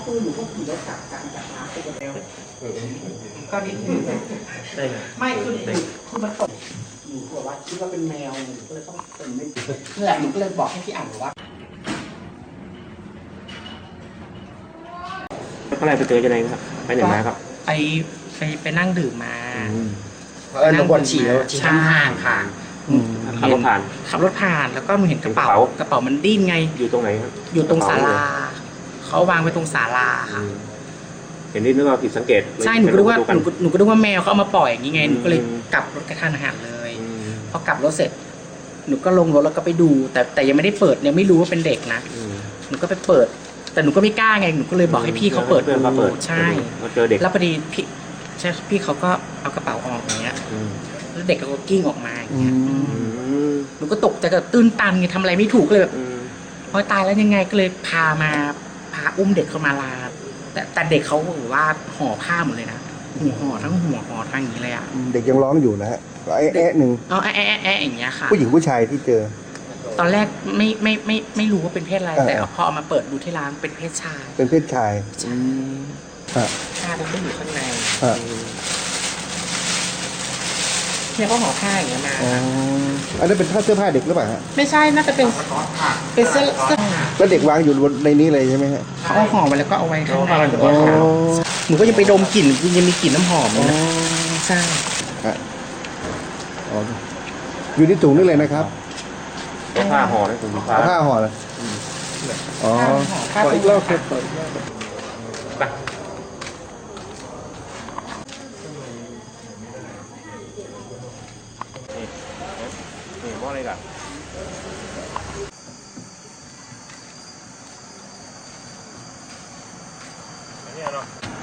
คือหนูก็ขี่รถจากน้ำไปกันแล้วก็นิดนึงไม่คือมันตกหนูบอกว่าคิดว่าเป็นแมวหนูก็เลยต้องเป็นไม่นั่นแหละหนูก็เลยบอกให้พี่อ่านว่าเมื่อไหร่ไปเจอจะไหนครับไปไหนมาครับไปนั่งดื่มมานั่งบนฉี่แล้วฉี่ห่างค่ะขับรถผ่านแล้วก็หนูเห็นกระเป๋ามันดิ้นไงอยู่ตรงไหนครับอยู่ตรงศาลาเขาวางไว้ตรงศาลาค่ะเห็นนี่นึกว่าผิดสังเกตใช่หนูก็นึกว่าแมวเขาเอามาปล่อยอย่างนี้ไงหนูก็เลยกลับรถกระทันหันเลยพอกลับรถเสร็จหนูก็ลงรถแล้วก็ไปดูแต่ยังไม่ได้เปิดยังไม่รู้ว่าเป็นเด็กนะหนูก็ไปเปิดแต่หนูก็ไม่กล้าไงหนูก็เลยบอกให้พี่เขาเปิดดูใช่เจอเด็กแล้วพอดีพี่เขาก็เอากระเป๋าออกอย่างเงี้ยแล้วเด็กก็กิ้งออกมาอย่างเงี้ยหนูก็ตกใจกับตื้นตันไงทำอะไรไม่ถูกเลยแบบพอตายแล้วยังไงก็เลยพาอุ้มเด็กเข้ามาลาแต่เด็กเขาบอกว่าห่อผ้าหมดเลยนะห่อทั้งหัวห่อทั้งอย่างนี้เลยอ่ะเด็กยังร้องอยู่นะฮะแอะหนึ่งอย่างเงี้ยค่ะผู้หญิงผู้ชายที่เจอตอนแรกไม่รู้ว่าเป็นเพศอะไรแต่พอเอามาเปิดดูที่ร้านเป็นเพศชายเป็นเพศชายผ้ามันก็อยู่ข้างในเนี่ยเขาห่อผ้าอย่างเงี้ยมาอันนั้นเป็นเสื้อผ้าเด็กหรือเปล่าฮะไม่ใช่น่าจะเป็นเสื้อแล้วเด็กวางอยู่ในนี้เลยใช่ไหมฮะเขาเอาห่อมาแล้วก็เอาไว้ข้างในหนูก็ยังไปดมกลิ่นยังมีกลิ่นน้ำหอมนะใช่อยู่ที่ถุงนี่เลยนะครับผ้าห่อนะถุงผ้าห่อเลยอ๋อขออีกรอบครับไปนี่ว่าอะไรกันเนี่ยเนาะ